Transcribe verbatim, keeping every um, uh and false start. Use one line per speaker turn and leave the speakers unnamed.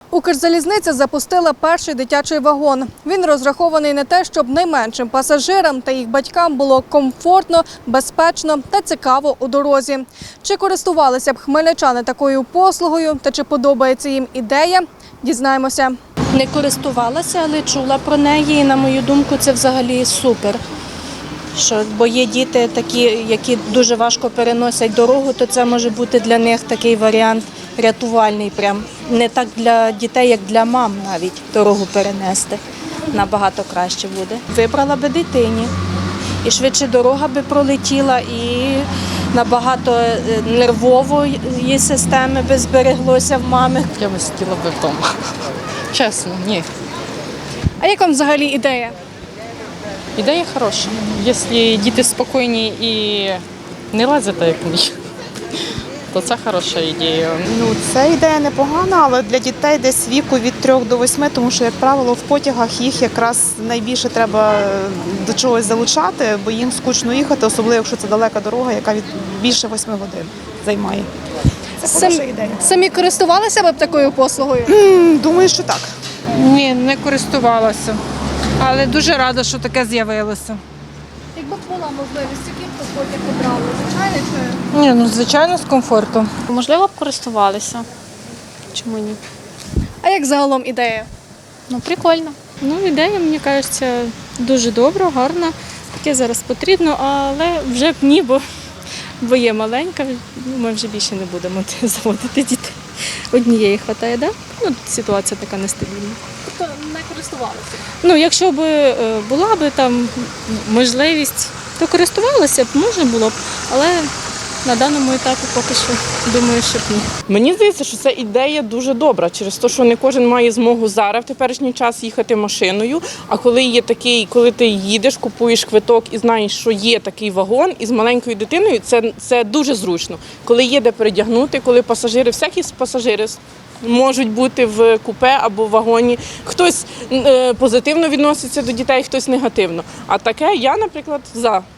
Укрзалізниця запустила перший дитячий вагон. Він розрахований на те, щоб найменшим пасажирам та їх батькам було комфортно, безпечно та цікаво у дорозі. Чи користувалися б хмельничани такою послугою та чи подобається їм ідея, дізнаємося.
Не користувалася, але чула про неї і, на мою думку, це взагалі супер. Що, бо є діти такі, які дуже важко переносять дорогу, то це може бути для них такий варіант рятувальний. Прям. Не так для дітей, як для мам навіть дорогу перенести. Набагато краще буде. Вибрала би дитині. І швидше дорога би пролетіла, і набагато нервової системи би збереглося в мами.
Я би сиділа би вдома. Чесно, ні.
А як вам взагалі ідея?
Ідея хороша. Якщо діти спокійні і не лазять, як мені, то це хороша ідея.
Ну, це ідея непогана, але для дітей десь віку від трьох до восьми, тому що, як правило, в потягах їх якраз найбільше треба до чогось залучати, бо їм скучно їхати, особливо, якщо це далека дорога, яка від більше восьми годин займає. Це хороша ідея.
Самі користувалися б такою послугою?
М, Думаю, що так.
Ні, не користувалася, але дуже рада, що таке з'явилося.
Якби була можливість, який б потяг обрали? Звичайно чи?
Ні, ну звичайно, з комфортом.
Можливо, б користувалися. Чому ні?
А як загалом ідея?
Ну, прикольно.
Ну, ідея, мені кажеться, дуже добра, гарна. Таке зараз потрібно, але вже б ні, бо, бо є маленька, ми вже більше не будемо заводити дітей. Однієї вистачає, да? Ну, ситуація така нестабільна.
Тобто не користувалися?
Ну, якщо б е, була б там можливість, то користувалася б, можна було б, але на даному етапі поки що думаю, що б ні.
Мені здається, що ця ідея дуже добра, через те, що не кожен має змогу зараз в теперішній час їхати машиною, а коли є такий, коли ти їдеш, купуєш квиток і знаєш, що є такий вагон із маленькою дитиною, це, це дуже зручно. Коли є де передягнути, коли пасажири, всякі пасажири можуть бути в купе або в вагоні. Хтось е, позитивно відноситься до дітей, хтось негативно. А таке я, наприклад, за.